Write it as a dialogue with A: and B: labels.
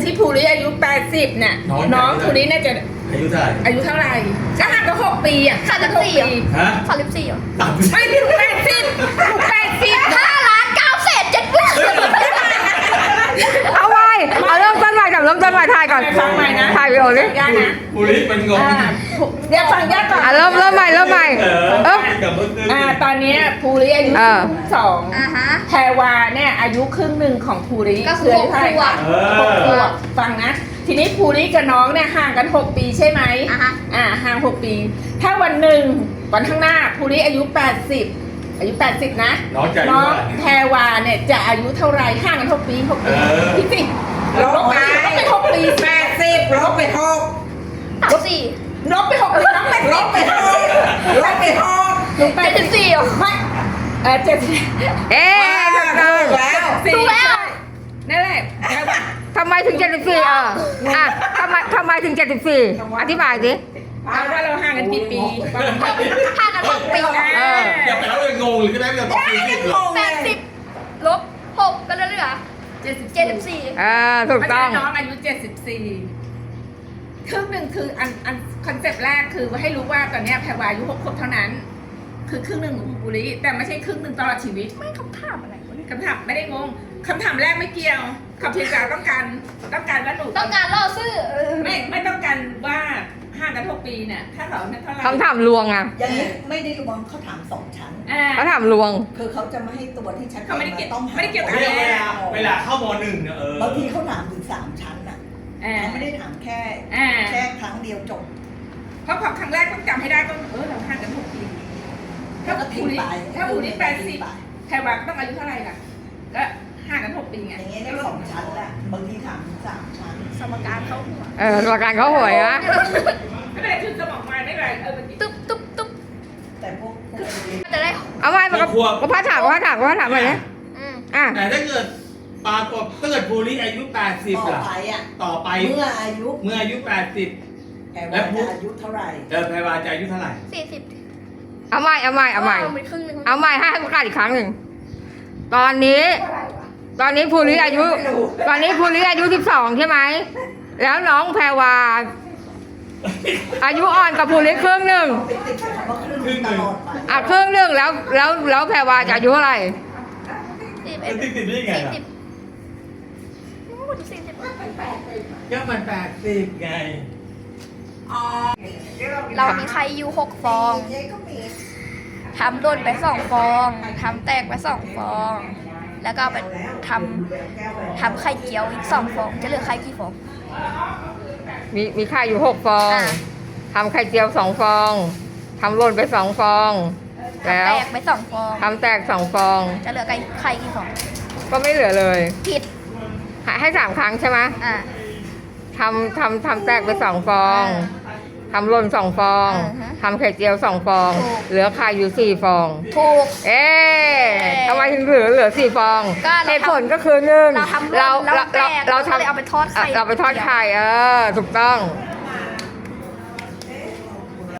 A: ที่ภูริอายุ80เนี่ยน้องภูริน่าจะ
B: อายุเท่าไหร่
A: อายุเท่าไหร่ก็ห่างกัน6 ปีอ่ะห่างกัน6 ปี
B: ฮะ
C: 34เหรอ
A: ไม่ถึง80
D: เอาไว้เอาเริ่มต้นใหม่กับเริ่มต้นใหม่ถ่ายก่อน
A: ฟังใหม่นะ
D: ถ่ายวิดีโอดิ
A: ยากนะ
B: ภูริเป็นงง
A: เดี๋ยวฟังยากก่อน
D: เริ่มใหม่
B: กับเมื่อคืน
A: ตอนนี้ภูริอายุ2แพรวาเนี่ยอายุครึ่งหนึ่งของภูริ
C: ก็คือ6 ขวบ
A: 6 ขวบฟังนะทีนี้ภูริกับน้องเนี่ยห่างกัน6 ปีใช่ไหมห่าง6 ปีถ้าวันหนึ่งวันข้างหน้าภูริอายุ80อายุ80นะน้องแพรวาเนี่ยจะอายุเท่าไรห่างกัน6 ปีคิดสิลบไป6 ปี80ลบไป6
C: 34
A: ลบไป6 ปีน้องเป็นลบไป6ลบไป6ลบไป
C: 74เหรอ
A: ไม่70
D: เอ๊ะถูกแล้ว
A: นั่นแหละ
D: ทำไมถึง74ทำไมถึง74อธิบายสิ
A: เอาว่าเราห่างกันกี่ปี
C: ห่างกัน6 ปีนะ
B: อย่าไปแล้วเลยงงหรือก็ได้ไม่ต้องตีสิบหรอก
C: 80ลบ6ก็เหลือ74
D: ถูกต้อง
A: น้องอายุ74ครึ่งหนึ่งคืออันคอนเซปต์แรกคือให้รู้ว่าตอนนี้แพรวาอายุ6 ขวบเท่านั้น คือครึ่งหนึ่งของภูริแต่ไม่ใช่ครึ่งหนึ่งตลอดชีวิต
C: ไม่คำถามอะไรวะเนี่ย
A: คำถามไม่ได้งงคำถามแรกไม่เกี่ยวคำเพียงแต่ต้องการว่าหนู
C: ต้องการล่อซื้อ
A: ไม่ต้องการว่าห่างกัน6 ปีเนี่ยถ้าเขาเนี่ยเท่าไหร่
D: คำถามลวงอ่ะ
E: อย่างนี้ไม่ได้รวมเขาถาม2 ชั้น
D: เขาถามลวง
E: คือเขาจะไม่ให้ตัวที่ชัดเจ
A: เขาไม่ได้
E: น
A: เกี่ยว
E: ต้อง
A: ไม่ได้เกี่ยวกับ
B: เวลาเข้าม.1เนี่ย
E: บางทีเขาถามถึง3 ชั้นน่ะเขาไม่ได้ถามแค่ครั้งเดียวจบ
A: เพราะพอครั้งแรกต้องจำให้ได้ต้องเราห่างกัน6 ปีถ้าภูริ80แพรวาต้องอายุเท่าไหร่ล่ะก็ห่างกัน6 ปีไง
E: อย่างเงี้ยได้2 ชั้นแหละบางทีถามถึง3 ชั้น
C: สมการเข้าหัว
D: ประกันเขาหวยนะ
A: ไม่เป็นไรคือสมองมาไม่เป็นไร
C: ตุ๊บ
E: แต่พวก
C: จะได้
D: เอาไว้ก็พัดถามหน่อยนะ
B: แต่ถ้าเกิดปรากฏถ้าเกิดภูริอายุ80ล่ะต่อไป
E: เมื่ออายุ
B: 80
E: แล้วอายุเท่าไหร่
B: แพรวาจะอายุเท่าไหร่
C: 40
D: เอาใหม่ให้ประกาศอีกครั้งหนึ่งตอนนี้ภูริอายุ12ใช่ไหมแล้วน้องแพรวาอายุอ่อนกับภูริครึ่งหนึ่ง
E: ติดคำว่าครึ่งตลอดไป
D: ครึ่งหนึ่งแล้วแพรวาจะอายุเท่าไหร่
B: ติดได้ไงล่ะก็มัน80ไง
C: เรามีไข่อยู่6 ฟองทำด้นไป2 ฟองทำแตกไป2 ฟองแล้วก็ไปทำไข่เจียวอีก2 ฟองจะเหลือไข่กี่ฟอง
D: มีไข่อยู่6 ฟองทำไข่เจียว2 ฟองทำหล่นไป2 ฟองแล้ว
C: แตกไป2 ฟอง
D: ทำแตก2 ฟอง
C: จะเหลือไข่กี่ฟอง
D: ก็ไม่เหลือเลย
C: ผิด
D: ให้3 ครั้งใช่ไหมทำแตกไป2 ฟองทำหล่น2 ฟองทำไข่เจียว2 ฟองเหลือไข่อยู่4 ฟอง
C: ถูก
D: ทำไมถึงเหลือ4 ฟองเหตุผลก็คือ1เรา
C: เอาไปทอดไข่
D: ถูกต้อง